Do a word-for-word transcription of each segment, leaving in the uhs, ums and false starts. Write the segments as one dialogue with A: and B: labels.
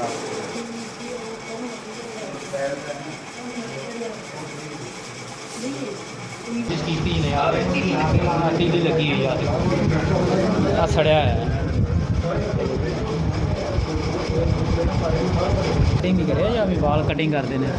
A: ਕੀਤੀ ਨੇ ਯਾਰ ਟੀ ਲੱਗੀ ਹੋਈ ਯਾਰ ਆ ਸੜਿਆ ਹੈ ਕਟਿੰਗ ਹੀ ਕਰਿਆ ਜਾਂ ਵੀ ਵਾਲ ਕਟਿੰਗ ਕਰਦੇ ਨੇ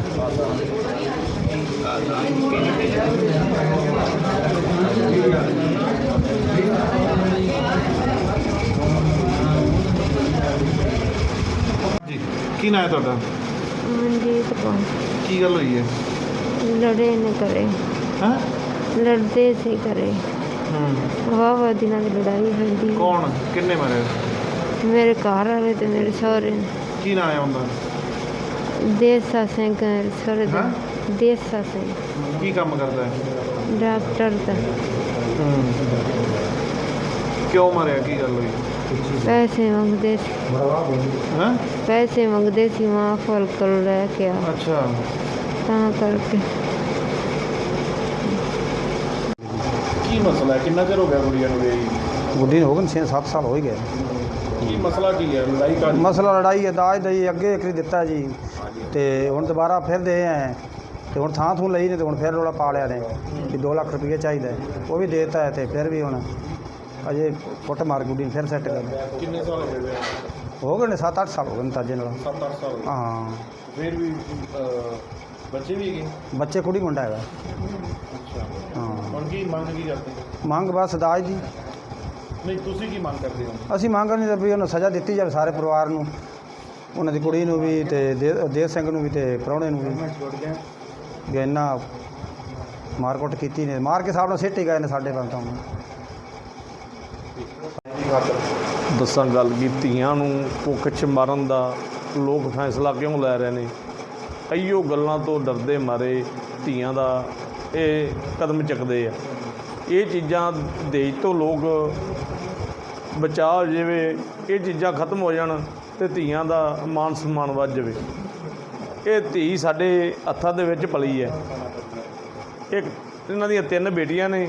B: ਜੀ ਕੀ ਨਾਂ ਹੈ ਤੁਹਾਡਾ?
C: ਮਨਜੀਤ ਕੌਰ।
B: ਕੀ ਗੱਲ ਹੋਈ ਹੈ?
C: ਲੜੇ ਨੇ ਕਰੇ
B: ਹਾਂ
C: ਲੜਦੇ ਸੀ ਕਰੇ
B: ਹੂੰ
C: ਵਾਹ ਵਾਹ ਦਿਨਾਂ ਦੀ ਲੜਾਈ ਹੁੰਦੀ।
B: ਕੌਣ ਕਿੰਨੇ ਮਾਰੇ?
C: ਮੇਰੇ ਘਰ ਵਾਲੇ ਤੇ ਮੇਰੇ ਸਹੁਰੇ ਨੇ।
B: ਕੀ ਨਾਂ ਹੈ ਉਹਦਾ?
C: ਦੇਸਾ ਸਿੰਘ ਸਹੁਰੇ ਦਾ ਦੇਸਾ ਸਿੰਘ।
B: ਕੀ ਕੰਮ ਕਰਦਾ ਹੈ?
C: ਡਾਕਟਰ ਦਾ।
B: ਹੂੰ ਕਿਉਂ ਮਾਰਿਆ? ਕੀ ਗੱਲ ਹੋਈ?
C: ਪੈਸੇ ਮੰਗਦੇ ਸੀ।
B: ਹਾਂ
C: ਪੈਸੇ ਮੰਗਦੇ ਸੀ ਮਾਂ ਫਲ ਕੋਲ ਲੈ ਕੇ ਆ
B: ਅੱਛਾ
C: ਤਾਂ ਕਰਕੇ।
B: ਕੀ ਮਸਲਾ ਹੈ? ਕਿੰਨਾ ਚਿਰ ਹੋ ਗਿਆ ਗੁੜੀਆ ਨੂੰ ਗਈ?
D: ਗੁੱਡੀ ਨੂੰ ਹੋ ਗਏ ਛੇ ਸੱਤ ਸਾਲ ਹੋ ਹੀ ਗਏ।
B: ਕੀ ਮਸਲਾ ਕੀ ਹੈ? ਲੜਾਈ ਕਾ?
D: ਮਸਲਾ ਲੜਾਈ ਹੈ ਦਾਜ ਦਾ ਜੀ। ਅੱਗੇ ਇੱਕ ਵਾਰੀ ਦਿੱਤਾ ਜੀ ਅਤੇ ਹੁਣ ਦੁਬਾਰਾ ਫਿਰ ਦੇ ਆਏ ਅਤੇ ਹੁਣ ਥਾਂ ਥੂੰ ਲਈ ਨੇ ਅਤੇ ਹੁਣ ਫਿਰ ਰੌਲਾ ਪਾ ਲਿਆ ਨੇ ਵੀ ਦੋ ਲੱਖ ਰੁਪਈਆ ਚਾਹੀਦਾ ਹੈ। ਉਹ ਵੀ ਦੇ ਦਿੱਤਾ ਹੈ ਅਤੇ ਫਿਰ ਵੀ ਹੁਣ ਅਜੇ ਕੁੱਟ ਮਾਰ ਗੁੱਡੀ ਨੂੰ ਫਿਰ ਸੈੱਟ ਕਰ।
B: ਕਿੰਨੇ ਸਾਲ ਹੋ ਗਏ?
D: ਹੋ ਗਏ ਨੇ ਸੱਤ ਅੱਠ ਸਾਲ ਹੋ ਗਏ ਨੇ ਤਾਜੇ ਨਾਲ।
B: ਸੱਤ ਅੱਠ ਸਾਲ
D: ਹਾਂ
B: ਫਿਰ ਵੀ ਬੱਚੇ ਵੀ ਹੈਗੇ?
D: ਬੱਚੇ ਕੁੜੀ ਮੁੰਡਾ ਹੈਗਾ।
B: ਅੱਛਾ
D: ਹਾਂ
B: ਹੁਣ ਕੀ ਮੰਗ ਕੀ ਕਰਦੇ?
D: ਮੰਗ ਬਸ ਦਾਜ ਦੀ।
B: ਨਹੀਂ ਤੁਸੀਂ ਕੀ ਮੰਗ ਕਰਦੇ ਹੋ?
D: ਅਸੀਂ ਮੰਗ ਨਹੀਂ ਤਾਂ ਵੀ ਉਹਨੂੰ ਸਜ਼ਾ ਦਿੱਤੀ ਜਾਵੇ ਸਾਰੇ ਪਰਿਵਾਰ ਨੂੰ, ਉਹਨਾਂ ਦੀ ਕੁੜੀ ਨੂੰ ਵੀ ਅਤੇ ਦੇ ਦੇਵ ਸਿੰਘ ਨੂੰ ਵੀ ਅਤੇ ਪ੍ਰਾਹੁਣੇ ਨੂੰ ਵੀ। ਵੀ ਇੰਨਾ ਮਾਰਕੁੱਟ ਕੀਤੀ ਨੇ, ਮਾਰ ਕੇ ਸਾਹਿਬ ਨਾਲ ਸਿੱਟ ਹੀ ਗਏ ਨੇ ਸਾਡੇ ਕੋਲ ਤਾਂ।
E: ਦੱਸਾਂ ਗੱਲ ਕੀ, ਧੀਆਂ ਨੂੰ ਕੁੱਖ 'ਚ ਮਾਰਨ ਦਾ ਲੋਕ ਫੈਸਲਾ ਕਿਉਂ ਲੈ ਰਹੇ ਨੇ? ਕਈਓ ਗੱਲਾਂ ਤੋਂ ਡਰਦੇ ਮਾਰੇ ਧੀਆਂ ਦਾ ਇਹ ਕਦਮ ਚੁੱਕਦੇ ਆ। ਇਹ ਚੀਜ਼ਾਂ ਦੇਸ਼ ਤੋਂ ਲੋਕ ਬਚਾ ਹੋ ਜਾਵੇ, ਇਹ ਚੀਜ਼ਾਂ ਖਤਮ ਹੋ ਜਾਣ ਅਤੇ ਧੀਆਂ ਦਾ ਮਾਨ ਸਨਮਾਨ ਵੱਧ ਜਾਵੇ। ਇਹ ਧੀ ਸਾਡੇ ਹੱਥਾਂ ਦੇ ਵਿੱਚ ਪਲੀ ਹੈ। ਇੱਕ ਇਹਨਾਂ ਦੀਆਂ ਤਿੰਨ ਬੇਟੀਆਂ ਨੇ।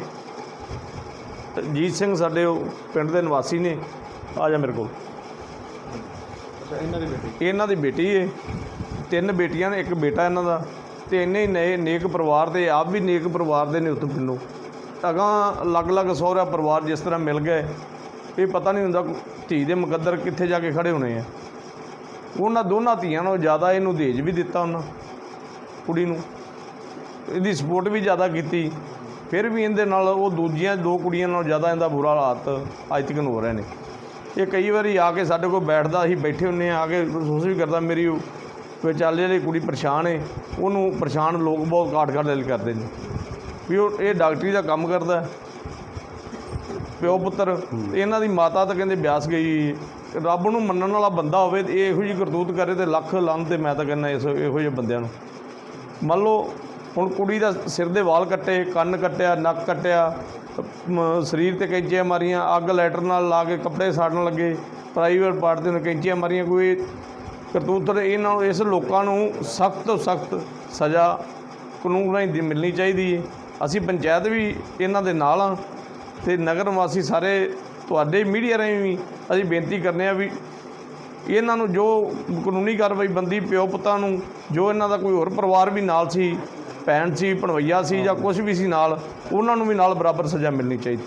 E: ਜੀਤ ਸਿੰਘ ਸਾਡੇ ਉਹ ਪਿੰਡ ਦੇ ਨਿਵਾਸੀ ਨੇ। ਆ ਜਾ ਮੇਰੇ ਕੋਲ।
B: ਅੱਛਾ ਇਹਨਾਂ ਦੀ ਬੇਟੀ?
E: ਇਹਨਾਂ ਦੀ ਬੇਟੀ ਹੈ। ਤਿੰਨ ਬੇਟੀਆਂ ਨੇ, ਇੱਕ ਬੇਟਾ ਇਹਨਾਂ ਦਾ। ਅਤੇ ਇੰਨੇ ਹੀ ਨਏ ਨੇਕ ਪਰਿਵਾਰ ਦੇ, ਆਪ ਵੀ ਨੇਕ ਪਰਿਵਾਰ ਦੇ ਨੇ ਉੱਥੋਂ ਪਿੰਡੋਂ। ਅਗਾਂਹ ਅਲੱਗ ਅਲੱਗ ਸਹੁਰਾ ਪਰਿਵਾਰ ਜਿਸ ਤਰ੍ਹਾਂ ਮਿਲ ਗਏ, ਇਹ ਪਤਾ ਨਹੀਂ ਹੁੰਦਾ ਧੀ ਦੇ ਮੁਕੱਦਰ ਕਿੱਥੇ ਜਾ ਕੇ ਖੜ੍ਹੇ ਹੋਣੇ ਆ। ਉਹਨਾਂ ਦੋਨਾਂ ਧੀਆਂ ਨਾਲੋਂ ਜ਼ਿਆਦਾ ਇਹਨੂੰ ਦਹੇਜ ਵੀ ਦਿੱਤਾ ਉਹਨਾਂ ਕੁੜੀ ਨੂੰ, ਇਹਦੀ ਸਪੋਰਟ ਵੀ ਜ਼ਿਆਦਾ ਕੀਤੀ। ਫਿਰ ਵੀ ਇਹਦੇ ਨਾਲ ਉਹ ਦੂਜੀਆਂ ਦੋ ਕੁੜੀਆਂ ਨਾਲੋਂ ਜ਼ਿਆਦਾ ਇਹਦਾ ਬੁਰਾ ਹਾਲਾਤ ਅੱਜ ਤੱਕ ਹੋ ਰਹੇ ਨੇ। ਇਹ ਕਈ ਵਾਰੀ ਆ ਕੇ ਸਾਡੇ ਕੋਲ ਬੈਠਦਾ, ਅਸੀਂ ਬੈਠੇ ਹੁੰਦੇ ਹਾਂ, ਆ ਕੇ ਮਹਿਸੂਸ ਵੀ ਕਰਦਾ ਮੇਰੀ ਵਿਚਾਲੇ ਜਿਹੜੀ ਕੁੜੀ ਪਰੇਸ਼ਾਨ ਹੈ, ਉਹਨੂੰ ਪਰੇਸ਼ਾਨ ਲੋਕ ਬਹੁਤ ਘਾਟ ਘਾਟ ਦਿਲ ਕਰਦੇ ਨੇ ਵੀ ਉਹ ਇਹ ਡਾਕਟਰੀ ਦਾ ਕੰਮ ਕਰਦਾ ਪਿਓ ਪੁੱਤਰ। ਇਹਨਾਂ ਦੀ ਮਾਤਾ ਤਾਂ ਕਹਿੰਦੇ ਬਿਆਸ ਗਈ। ਰੱਬ ਨੂੰ ਮੰਨਣ ਵਾਲਾ ਬੰਦਾ ਹੋਵੇ ਤੇ ਇਹੋ ਜਿਹੀ ਕਰਤੂਤ ਕਰੇ ਤੇ ਲੱਖ ਲਾਹਨ। ਤੇ ਮੈਂ ਤਾਂ ਕਹਿੰਦਾ ਇਸ ਇਹੋ ਜਿਹੇ ਬੰਦਿਆਂ ਨੂੰ। ਮੰਨ ਲਓ ਹੁਣ ਕੁੜੀ ਦਾ ਸਿਰ ਦੇ ਵਾਲ ਕੱਟੇ, ਕੰਨ ਕੱਟਿਆ, ਨੱਕ ਕੱਟਿਆ, ਸਰੀਰ 'ਤੇ ਕੈਂਚੀਆਂ ਮਾਰੀਆਂ, ਅੱਗ ਲਾਈਟਰ ਨਾਲ ਲਾ ਕੇ ਕੱਪੜੇ ਸਾੜਨ ਲੱਗੇ, ਪ੍ਰਾਈਵੇਟ ਪਾਰਟ 'ਤੇ ਕੈਂਚੀਆਂ ਮਾਰੀਆਂ। ਕੋਈ ਕਰਤੂਤ ਇਹਨਾਂ ਨੂੰ, ਇਸ ਲੋਕਾਂ ਨੂੰ ਸਖਤ ਤੋਂ ਸਖਤ ਸਜ਼ਾ ਕਾਨੂੰਨ ਰਾਹੀਂ ਮਿਲਣੀ ਚਾਹੀਦੀ ਹੈ। ਅਸੀਂ ਪੰਚਾਇਤ ਵੀ ਇਹਨਾਂ ਦੇ ਨਾਲ ਹਾਂ ਅਤੇ ਨਗਰ ਨਿਵਾਸੀ ਸਾਰੇ ਤੁਹਾਡੇ ਮੀਡੀਆ ਰਾਹੀਂ ਵੀ ਅਸੀਂ ਬੇਨਤੀ ਕਰਨੇ ਆ ਵੀ ਇਹਨਾਂ ਨੂੰ ਜੋ ਕਾਨੂੰਨੀ ਕਾਰਵਾਈ ਬੰਦੀ ਪਿਓ ਪੁੱਤਾਂ ਨੂੰ, ਜੋ ਇਹਨਾਂ ਦਾ ਕੋਈ ਹੋਰ ਪਰਿਵਾਰ ਵੀ ਨਾਲ ਸੀ, ਭੈਣ ਸੀ, ਭਣਵਈਆ ਸੀ ਜਾਂ ਕੁਛ ਵੀ ਸੀ ਨਾਲ, ਉਹਨਾਂ ਨੂੰ ਵੀ ਨਾਲ ਬਰਾਬਰ ਸਜ਼ਾ ਮਿਲਣੀ ਚਾਹੀਦੀ।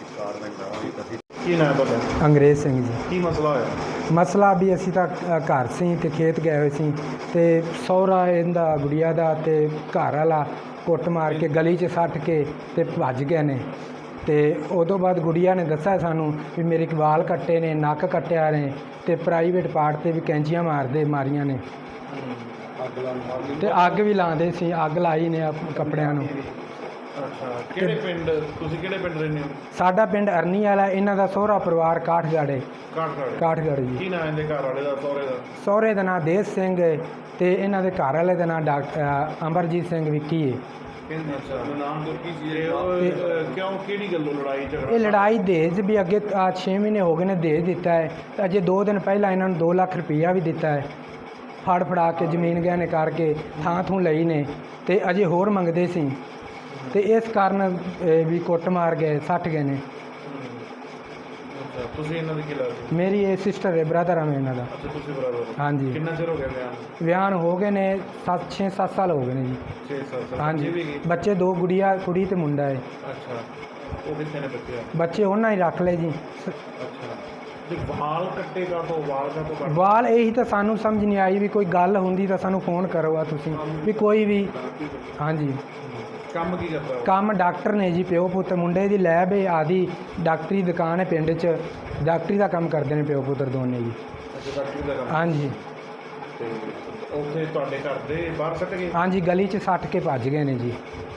B: ਕੀ ਨਾਂ ਹੈ ਤੁਹਾਡਾ?
D: ਅੰਗਰੇਜ਼ ਸਿੰਘ ਜੀ।
B: ਕੀ ਮਸਲਾ ਹੋਇਆ?
D: ਮਸਲਾ ਵੀ ਅਸੀਂ ਤਾਂ ਘਰ ਸੀ ਅਤੇ ਖੇਤ ਗਏ ਹੋਏ ਸੀ ਅਤੇ ਸਹੁਰਾ ਇਹਦਾ ਗੁੜੀਆ ਦਾ ਅਤੇ ਘਰ ਵਾਲਾ ਕੁੱਟ ਮਾਰ ਕੇ ਗਲੀ 'ਚ ਸੱਟ ਕੇ ਅਤੇ ਭੱਜ ਗਏ ਨੇ। ਅਤੇ ਉਦੋਂ ਬਾਅਦ ਗੁੜੀਆ ਨੇ ਦੱਸਿਆ ਸਾਨੂੰ ਵੀ ਮੇਰੇ ਵਾਲ ਕੱਟੇ ਨੇ, ਨੱਕ ਕੱਟਿਆ ਨੇ ਅਤੇ ਪ੍ਰਾਈਵੇਟ ਪਾਰਟ 'ਤੇ ਵੀ ਕੈਂਚੀਆਂ ਮਾਰਦੇ ਮਾਰੀਆਂ ਨੇ ਅਤੇ ਅੱਗ ਵੀ ਲਾਉਂਦੇ ਸੀ। ਅੱਗ ਲਾਈ ਨੇ ਕੱਪੜਿਆਂ ਨੂੰ।
B: ਅੱਛਾ ਕਿਹੜੇ ਪਿੰਡ? ਤੁਸੀਂ ਕਿਹੜੇ ਪਿੰਡ ਰਹਿੰਦੇ ਹੋ?
D: ਸਾਡਾ ਪਿੰਡ ਅਰਨੀ ਵਾਲਾ, ਇਹਨਾਂ ਦਾ ਸਹੁਰਾ ਪਰਿਵਾਰ ਕਾਠਗੜ੍ਹ।
B: ਕਾਠਗੜ੍ਹ?
D: ਕਾਠਗੜ੍ਹ ਜੀ।
B: ਕੀ ਨਾਂ ਇਹਦੇ ਘਰ ਵਾਲੇ ਦਾ, ਸਹੁਰੇ ਦਾ?
D: ਸਹੁਰੇ ਦਾ ਨਾਂ ਦੇਸ ਸਿੰਘ ਹੈ ਅਤੇ ਇਹਨਾਂ ਦੇ ਘਰ ਵਾਲੇ ਦਾ ਨਾਂ ਡਾਕਟਰ ਅਮਰਜੀਤ ਸਿੰਘ ਵਿੱਕੀ ਹੈ।
B: ਅੱਛਾ ਨਾਮ ਕੀ ਸੀ? ਕਿਉਂ ਕਿਹੜੀ ਗੱਲੋਂ ਲੜਾਈ ਝਗੜਾ?
D: ਇਹ ਲੜਾਈ ਦਹੇਜ ਵੀ ਅੱਗੇ ਆ ਛੇ ਮਹੀਨੇ ਹੋ ਗਏ ਨੇ ਦਹੇਜ ਦਿੱਤਾ ਹੈ ਅਤੇ ਅਜੇ ਦੋ ਦਿਨ ਪਹਿਲਾਂ ਇਹਨਾਂ ਨੂੰ ਦੋ ਲੱਖ ਰੁਪਈਆ ਵੀ ਦਿੱਤਾ ਹੈ। ਫੜ ਫੜਾ ਕੇ ਜ਼ਮੀਨ ਗਹਿਣੇ ਕਰਕੇ ਥਾਂ ਥੂੰ ਲਈ ਨੇ ਅਤੇ ਅਜੇ ਹੋਰ ਮੰਗਦੇ ਸੀ ਅਤੇ ਇਸ ਕਾਰਨ ਵੀ ਕੁੱਟ ਮਾਰ ਗਏ, ਸੱਟ ਗਏ ਨੇ।
B: ਅੱਛਾ ਤੁਸੀਂ ਇਹਨਾਂ ਦੀ ਕੀ ਲੱਗਦੇ?
D: ਮੇਰੀ ਇਹ ਸਿਸਟਰ ਹੈ, ਬ੍ਰਦਰ ਆ ਮੈਂ ਇਹਨਾਂ ਦਾ।
B: ਅੱਛਾ ਤੁਸੀਂ ਬਰਾਬਰ।
D: ਹਾਂਜੀ।
B: ਕਿੰਨਾ ਚਿਰ ਹੋ ਗਿਆ ਵਿਆਹ ਨੂੰ?
D: ਵਿਆਹ ਨੂੰ ਹੋ ਗਏ ਨੇ ਸੱਤ ਛੇ ਸੱਤ ਸਾਲ ਹੋ ਗਏ ਨੇ ਜੀ।
B: ਛੇ ਸਾਲ ਸਾਲ
D: ਹਾਂਜੀ।
B: ਬੱਚੇ ਵੀ ਗਏ?
D: ਬੱਚੇ ਦੋ, ਗੁੜੀਆ ਕੁੜੀ ਤੇ ਮੁੰਡਾ ਹੈ।
B: ਅੱਛਾ ਉਹ ਕਿੱਥੇ ਨੇ ਬੱਚੇ?
D: ਬੱਚੇ ਉਹਨਾਂ ਹੀ ਰੱਖ ਲਏ ਜੀ।
B: ਅੱਛਾ ਤੇ ਵਾਲ ਕੱਟੇ ਕਾ ਤੋਂ ਵਾਲ ਕਾ ਤੋਂ ਕੱਟ?
D: ਵਾਲ ਇਹੀ ਤਾਂ ਸਾਨੂੰ ਸਮਝ ਨਹੀਂ ਆਈ ਵੀ ਕੋਈ ਗੱਲ ਹੁੰਦੀ ਤਾਂ ਸਾਨੂੰ ਫੋਨ ਕਰੋ ਆ ਤੁਸੀਂ ਵੀ ਕੋਈ ਵੀ। ਹਾਂਜੀ।
B: ਕੰਮ ਕੀ ਕਰਦਾ ਉਹ?
D: ਕੰਮ ਡਾਕਟਰ ਨੇ ਜੀ, ਪਿਓ ਪੁੱਤ। ਮੁੰਡੇ ਦੀ ਲੈਬ ਹੈ ਆਦੀ, ਡਾਕਟਰੀ ਦੁਕਾਨ ਹੈ ਪਿੰਡ 'ਚ, ਡਾਕਟਰੀ ਦਾ ਕੰਮ ਕਰਦੇ ਨੇ ਪਿਓ ਪੁੱਤਰ ਦੋਨੇ ਜੀ।
B: ਅੱਛਾ ਡਾਕਟਰੀ ਦਾ ਕੰਮ।
D: ਹਾਂਜੀ।
B: ਤੇ ਉੱਥੇ ਤੁਹਾਡੇ ਘਰ ਦੇ ਬਾਹਰ ਸੱਟ ਗਏ?
D: ਹਾਂਜੀ, ਗਲੀ 'ਚ ਸੱਟ ਕੇ ਭੱਜ ਗਏ ਨੇ ਜੀ।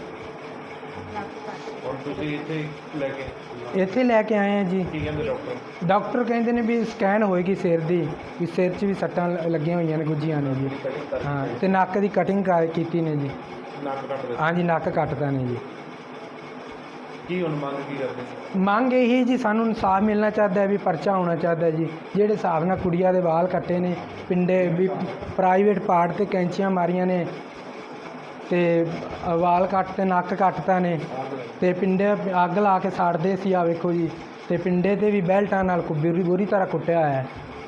B: ਹੁਣ ਤੁਸੀਂ ਇੱਥੇ ਲੈ ਕੇ
D: ਇੱਥੇ ਲੈ ਕੇ ਆਏ ਆ ਜੀ।
B: ਕੀ ਕਹਿੰਦੇ ਡਾਕਟਰ?
D: ਡਾਕਟਰ ਕਹਿੰਦੇ ਨੇ ਵੀ ਸਕੈਨ ਹੋਏਗੀ ਸਿਰ ਦੀ, ਵੀ ਸਿਰ 'ਚ ਵੀ ਸੱਟਾਂ ਲ- ਲੱਗੀਆਂ ਹੋਈਆਂ ਨੇ, ਗੁੱਜੀਆਂ ਨੇ ਜੀ। ਹਾਂ, ਤੇ ਨੱਕ ਦੀ ਕਟਿੰਗ ਕਰ ਕੀਤੀ ਨੇ ਜੀ।
B: ਨੱਕ ਕੱਟ ਦੇ?
D: ਹਾਂਜੀ, ਨੱਕ ਕੱਟਦਾ ਨੇ ਜੀ।
B: ਕੀ ਹੁਣ ਮੰਗ ਕੀ ਕਰਦੇ?
D: ਮੰਗ ਇਹੀ ਜੀ, ਸਾਨੂੰ ਇਨਸਾਫ ਮਿਲਣਾ ਚਾਹੀਦਾ ਹੈ, ਵੀ ਪਰਚਾ ਹੋਣਾ ਚਾਹੀਦਾ ਹੈ ਜੀ। ਜਿਹੜੇ ਹਿਸਾਬ ਨਾਲ ਕੁੜੀਆਂ ਦੇ ਵਾਲ ਕੱਟੇ ਨੇ, ਪਿੰਡੇ ਵੀ ਪ੍ਰਾਈਵੇਟ ਪਾਰਟ ਤੇ ਕੈਂਚੀਆਂ ਮਾਰੀਆਂ ਨੇ, ਤੇ ਵਾਲ ਕੱਟ ਤੇ ਨੱਕ ਕੱਟਤਾ ਨੇ, ਤੇ ਪਿੰਡੇ ਅੱਗ ਲਾ ਕੇ ਸਾੜਦੇ ਸੀ। ਆ ਵੇਖੋ ਜੀ, ਤੇ ਪਿੰਡੇ ਤੇ ਵੀ ਬੈਲਟਾਂ ਨਾਲ ਬੁਰੀ ਬੁਰੀ ਤਰ੍ਹਾਂ ਕੁੱਟਿਆ ਹੋਇਆ ਹੈ।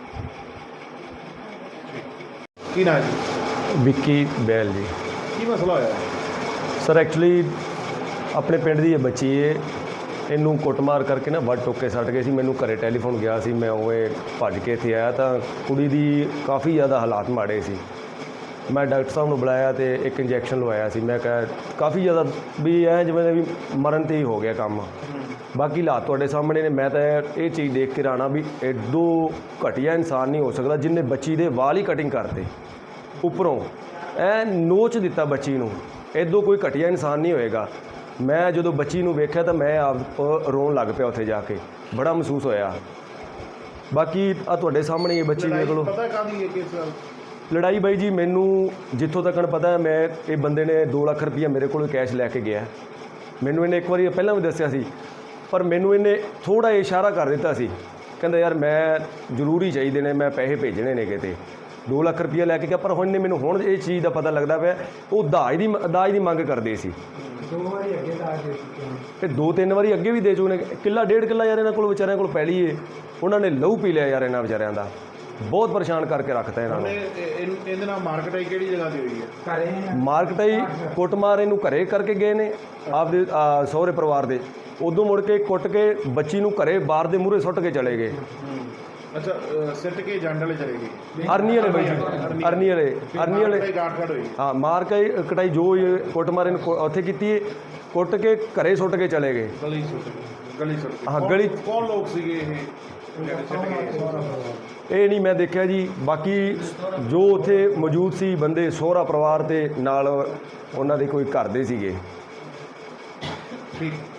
B: ਕੀ ਨਾ ਜੀ?
F: ਵਿੱਕੀ ਬੈਲ ਜੀ।
B: ਕੀ ਮਸਲਾ ਹੋਇਆ?
F: ਸਰ ਐਕਚੁਅਲੀ ਆਪਣੇ ਪਿੰਡ ਦੀ ਇਹ ਬੱਚੀ ਏ, ਇਹਨੂੰ ਕੁੱਟਮਾਰ ਕਰਕੇ ਨਾ ਵੱਢ ਟੋਕੇ ਸੱਟ ਗਏ ਸੀ। ਮੈਨੂੰ ਘਰੇ ਟੈਲੀਫੋਨ ਗਿਆ ਸੀ, ਮੈਂ ਉਹ ਭੱਜ ਕੇ ਇੱਥੇ ਆਇਆ ਤਾਂ ਕੁੜੀ ਦੀ ਕਾਫੀ ਜ਼ਿਆਦਾ ਹਾਲਾਤ ਮਾੜੇ ਸੀ। ਮੈਂ ਡਾਕਟਰ ਸਾਹਿਬ ਨੂੰ ਬੁਲਾਇਆ ਤੇ ਇੱਕ ਇੰਜੈਕਸ਼ਨ ਲਵਾਇਆ ਸੀ। ਮੈਂ ਕਿਹਾ ਕਾਫੀ ਜ਼ਿਆਦਾ ਵੀ ਐ ਜਿਵੇਂ ਵੀ ਮਰਨ 'ਤੇ ਹੀ ਹੋ ਗਿਆ ਕੰਮ। ਬਾਕੀ ਹਾਲਾਤ ਤੁਹਾਡੇ ਸਾਹਮਣੇ ਨੇ। ਮੈਂ ਤਾਂ ਇਹ ਚੀਜ਼ ਦੇਖ ਕੇ ਰਾਣਾ ਵੀ ਐਡੋ ਘਟੀਆ ਇਨਸਾਨ ਨਹੀਂ ਹੋ ਸਕਦਾ ਜਿਹਨੇ ਬੱਚੀ ਦੇ ਵਾਲ ਹੀ ਕਟਿੰਗ ਕਰਤੇ, ਉੱਪਰੋਂ ਐ ਨੋਚ ਦਿੱਤਾ ਬੱਚੀ ਨੂੰ। ਐਡੋ ਕੋਈ ਘਟੀਆ ਇਨਸਾਨ ਨਹੀਂ ਹੋਏਗਾ। ਮੈਂ ਜਦੋਂ ਬੱਚੀ ਨੂੰ ਵੇਖਿਆ ਤਾਂ ਮੈਂ ਆਪ ਰੋਣ ਲੱਗ ਪਿਆ ਉੱਥੇ ਜਾ ਕੇ, ਬੜਾ ਮਹਿਸੂਸ ਹੋਇਆ। ਬਾਕੀ ਆ ਤੁਹਾਡੇ ਸਾਹਮਣੇ ਇਹ ਬੱਚੀ ਦੇਖ ਲਓ।
B: ਪਤਾ ਕਾਹਦੀ ਹੈ ਕਿਸ?
F: ਲੜਾਈ ਬਾਈ ਜੀ ਮੈਨੂੰ ਜਿੱਥੋਂ ਤੱਕ ਪਤਾ ਹੈ, ਮੈਂ ਇਹ ਬੰਦੇ ਨੇ ਦੋ ਲੱਖ ਰੁਪਈਆ ਮੇਰੇ ਕੋਲੋਂ ਕੈਸ਼ ਲੈ ਕੇ ਗਿਆ। ਮੈਨੂੰ ਇਹਨੇ ਇੱਕ ਵਾਰੀ ਪਹਿਲਾਂ ਵੀ ਦੱਸਿਆ ਸੀ, ਪਰ ਮੈਨੂੰ ਇਹਨੇ ਥੋੜ੍ਹਾ ਇਸ਼ਾਰਾ ਕਰ ਦਿੱਤਾ ਸੀ, ਕਹਿੰਦਾ ਯਾਰ ਮੈਂ ਜ਼ਰੂਰੀ ਚਾਹੀਦੇ ਨੇ, ਮੈਂ ਪੈਸੇ ਭੇਜਣੇ ਨੇ ਕਿਤੇ। ਦੋ ਲੱਖ ਰੁਪਈਆ ਲੈ ਕੇ ਗਿਆ, ਪਰ ਹੁਣ ਨੇ ਮੈਨੂੰ ਹੁਣ ਇਹ ਚੀਜ਼ ਦਾ ਪਤਾ ਲੱਗਦਾ ਪਿਆ ਉਹ ਦਾਜ ਦੀ ਦਾਜ ਦੀ ਮੰਗ ਕਰਦੇ ਸੀ।
D: ਦੋ ਵਾਰੀ ਅੱਗੇ ਦਾਜ ਦੇ ਚੁੱਕੇ ਨੇ,
F: ਤੇ ਦੋ ਤਿੰਨ ਵਾਰੀ ਅੱਗੇ ਵੀ ਦੇ ਚੁੱਕੇ ਨੇ। ਕਿੱਲਾ ਡੇਢ ਕਿੱਲਾ ਯਾਰ ਇਹਨਾਂ ਕੋਲ ਵਿਚਾਰਿਆਂ ਕੋਲ ਪੈਲੀ ਏ, ਉਹਨਾਂ ਨੇ ਲਹੂ ਪੀ ਲਿਆ ਯਾਰ ਇਹਨਾਂ ਵਿਚਾਰਿਆਂ ਦਾ। ਬਹੁਤ ਪਰੇਸ਼ਾਨ ਕਰਕੇ ਰੱਖਤਾ ਇਹਨਾਂ ਨੂੰ।
B: ਇਹਦੇ ਨਾਲ ਮਾਰਕੀਟ ਕਿਹੜੀ ਜਗ੍ਹਾ ਤੇ ਹੋਈ ਹੈ?
D: ਘਰੇ
F: ਮਾਰਕਟਾਈ ਕੁੱਟਮਾਰ ਇਹਨੂੰ ਘਰੇ ਕਰਕੇ ਗਏ ਨੇ ਆਪਦੇ ਅਹ, ਸਹੁਰੇ ਪਰਿਵਾਰ ਦੇ। ਉਦੋਂ ਮੁੜ ਕੇ ਕੁੱਟ ਕੇ ਬੱਚੀ ਨੂੰ ਘਰੇ ਬਾਹਰ ਦੇ ਮੂਹਰੇ ਸੁੱਟ ਕੇ ਚਲੇ ਗਏ।
B: ਅੱਛਾ ਅ, ਸਿੱਟ ਕੇ ਜੰਡ ਵਾਲੇ ਚਲੇ ਗਏ?
F: ਅਰਨੀ ਵਾਲੇ ਬਾਈ ਜੀ, ਅਰਨੀ ਵਾਲੇ ਅਰਨੀ ਵਾਲੇ
B: ਗਾਠ ਗਾਠ ਹੋਈ?
F: ਹਾਂ, ਮਾਰ ਕੇ ਕਟਾਈ ਜੋ ਇਹ ਕੁੱਟਮਾਰ ਇਹਨੂੰ ਕੁ- ਉੱਥੇ ਕੀਤੀ ਹੈ, ਕੁੱਟ ਕੇ ਘਰੇ ਸੁੱਟ ਕੇ ਚਲੇ ਗਏ।
B: ਗਲੀ ਸੁੱਟ ਗਈ? ਗਲੀ ਸੁੱਟ ਗਈ?
F: ਹਾਂ,
B: ਕੌਣ-
F: ਗਲੀ-
B: ਕੌਣ ਲੋਕ ਸੀਗੇ ਇਹ ਜਿਹੜੇ ਸਿੱਟ ਗਏ?
F: ਇਹ ਨਹੀਂ ਮੈਂ ਦੇਖਿਆ ਜੀ। ਬਾਕੀ ਜੋ ਉੱਥੇ ਮੌਜੂਦ ਸੀ ਬੰਦੇ, ਸਹੁਰਾ ਪਰਿਵਾਰ ਤੇ ਨਾਲ ਉਹਨਾਂ ਦੇ ਕੋਈ ਘਰ ਦੇ ਸੀਗੇ।
B: ਠੀਕ।